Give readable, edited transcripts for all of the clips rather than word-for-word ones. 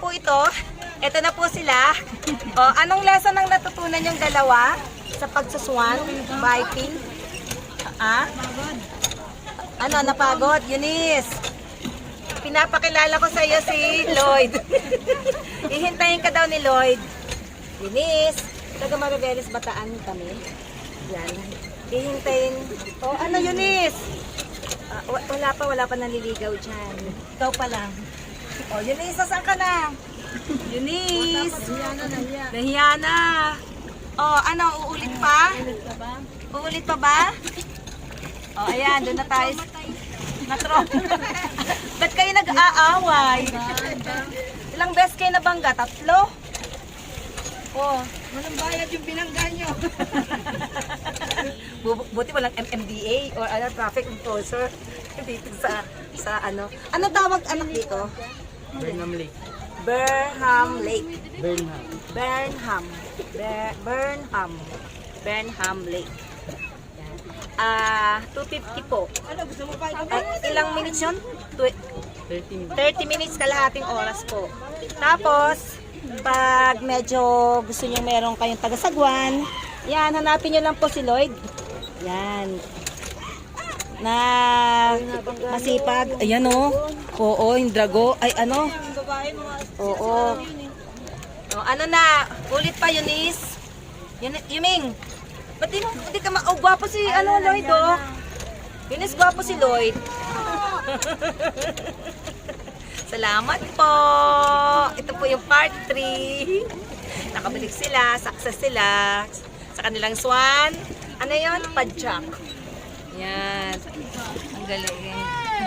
po ito. Ito na po sila. O, anong lesson ang natutunan yung dalawa sa pagsuswan, biking? Ah? Ano, napagod? Eunice, pinapakilala ko sa iyo si Lloyd. Ihintayin ka daw ni Lloyd. Eunice, taga Mariveles Bataan kami. Yan. Ihintayin. O, ano Eunice? Wala pa naliligaw dyan. Ikaw pa lang. O, Eunice, saan ka na? Eunice. Nahiya na. O, ano, uulit pa? Uulit pa ba? O, ayan, doon na tayo. Natro. Ba't kayo nag-aaway? Ilang beses kayo nabangga? 3? O, Walang bayad yung binangga nyo. buti walang MMDA or ano, traffic enforcer dito sa ano. Ano tawag anak dito? Burnham Lake. Burnham Lake. Burnham. Burnham Lake. Yan. 250 po. Ano, gusto mo pa ito? Ilang minutes yun? 30 minutes. 30 minutes kalahating oras po. Tapos, pag medyo gusto nyo meron kayong taga-sagwan, yan, hanapin nyo lang po si Lloyd. Yan. Na masipag. Ayan o. Oo, yung drago. Ay, ano? Ang babae, mga Oo. O, ano na? Ulit pa, Eunice. Yuming. Ba't di ka oh, gwapo si ano, Lloyd, oh. Eunice, gwapo si Lloyd. Salamat po. Ito po yung part 3. Nakabalik sila, success sila sa kanilang swan. Ano yun? Padjak. Yan. Ang galing.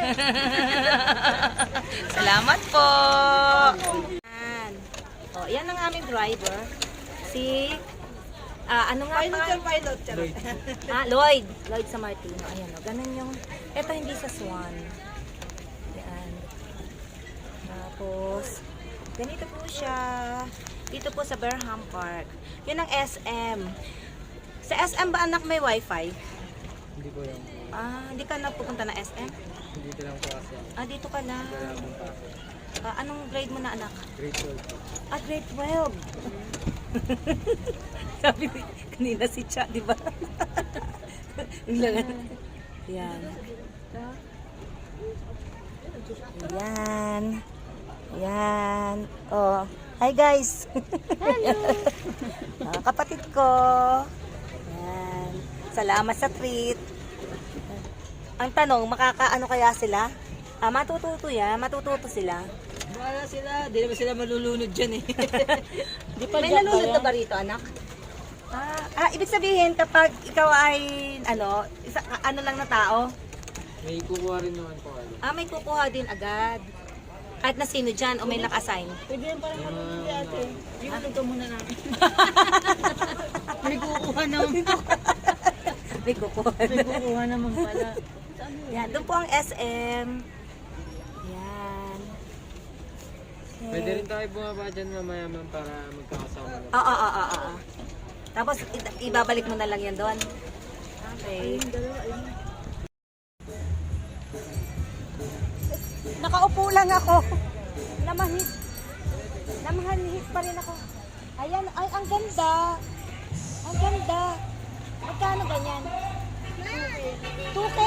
Salamat po. Yan. O, yan ang aming driver. Si, ano nga pa? pilot. Charot. Lloyd. Lloyd sa Martino. Ayan o. Ganun yung, eto hindi sa swan. Yan. Tapos, ganito po siya. Dito po sa Burnham Park. Yun ang SM. Sa SM ba anak may wifi? Hindi ko yung... Hindi ka na pupunta na SM? Dito lang po kasi. Dito ka lang. Wala akong pasok. Anong grade mo na anak? Grade 12. Grade 12. Sabi ni kanina si Cha, di ba? Yan. Yan. Yan. Oh. Hi guys. Hello. Kapatid ko. Yan. Salamat sa treat. Ang tanong, makakaano kaya sila? Matututo yan. Matututo sila. Wala sila. Di naman sila malulunod dyan eh. May nalulod na ba rito, anak? Ibig sabihin, kapag ikaw ay, ano lang na tao, May kukuha rin naman po. may kukuha din agad. Kahit na sino dyan, o may naka-assign. Pwede yan parang malulunod ate. Inuto muna namin. May kukuha naman. May kukuha. May kukuha naman pala. Yan, doon po ang SM. Yan. Okay. Pwede rin tayo bumaba dyan mamaya man para magkakasama na. Oo. Tapos, ibabalik mo na lang yan doon. Okay. Nakaupo lang ako. Namahit pa rin ako. Ayan, ay, ang ganda. Ang ganda. Magkano ganyan? 2K.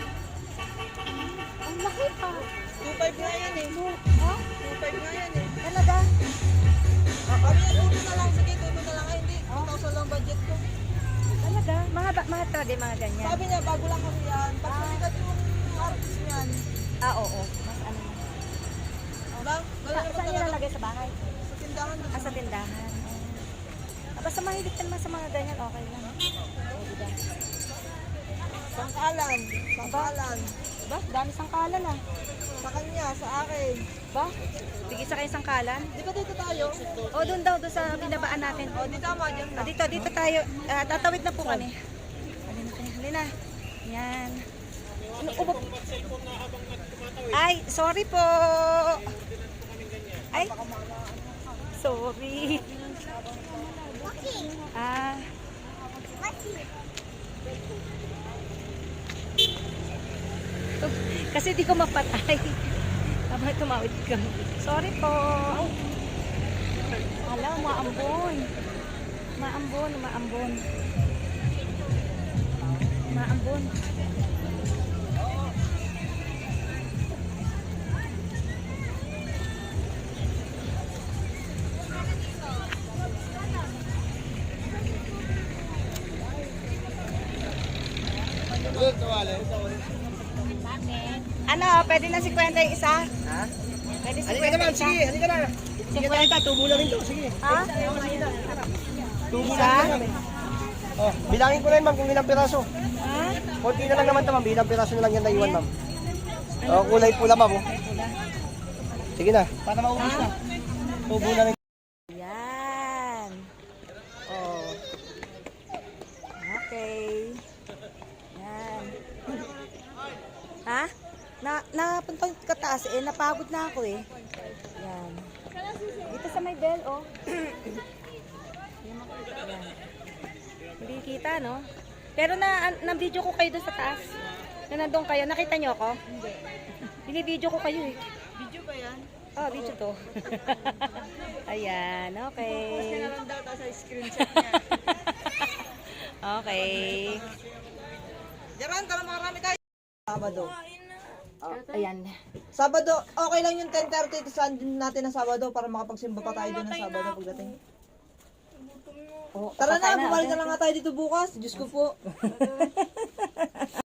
Ang laki pa. 2.5 nga yan eh. Ha? 2.5 nga yan eh. Talaga? Kami yan, tuto na lang. Sige, tuto na lang. Ay, hindi. 2,000 lang budget ko. Talaga? Mga talaga, mga ganyan. Sabi niya, bago lang kami yan. Pag sumikat yung artist niyan. Oo. Mas ano na. Diba? Ganun naman Saan talaga. nilalagay sa bahay? Sa tindahan. Sa tindahan. Basta mahilig ka naman sa mga ganyan, okay lang. Diba? Sangkalan. Sangkalan. Ba? Dami sangkalan ah. Sa kanya, sa akin. Ba? Tigil sa kayo sangkalan? Di ba dito tayo? O, doon daw, doon sa binabaan natin. O, di tama dyan na. Dito tayo. Tatawid na po kami. Halina. Yan. Ay, sorry po. Ay, sorry. Kasi di ko mapatay. Tama, tumawid ka. Sorry po. Hala, maambon. Maambon, maambon. Maambon. Ano, pwede na 50 yung isa? Ha? Pwede 50 Halika naman, isa? sige, halika na. Sige tayo, tubo na rin to, sige. Ha? Tubo Isa? na rin. Oh, bilangin ko na yun, ma'am, kung ilang piraso. Ha? Konti na lang naman to, ma'am. Ilang piraso na lang yan na iwan, ma'am. Oh, kulay pula, ma'am. Oh. Sige na, para maubos na. Tubo na rin. Yan. Oh. Okay. Yan. Ha? Napunta ka taas eh. Napagod na ako eh. Yan. Dito sa may bell, oh. Yan. Hindi kita, no? Pero na-video ko kayo doon sa taas. Na nandun kayo. Nakita niyo ako? Hindi. Bini-video ko kayo eh. Video ba yan? Oh, video to. Ayan, okay. Meron daw sa screenshot niya. Okay. Jaran, tara makarami tayo. Sabado. Oh, ayan. Sabado, okay lang yung 10:30 saan din natin ng Sabado para makapagsimba pa tayo doon ng Sabado pagdating. Oh, Tara patay na, bumalik na lang nga tayo dito bukas. Diyos ko po.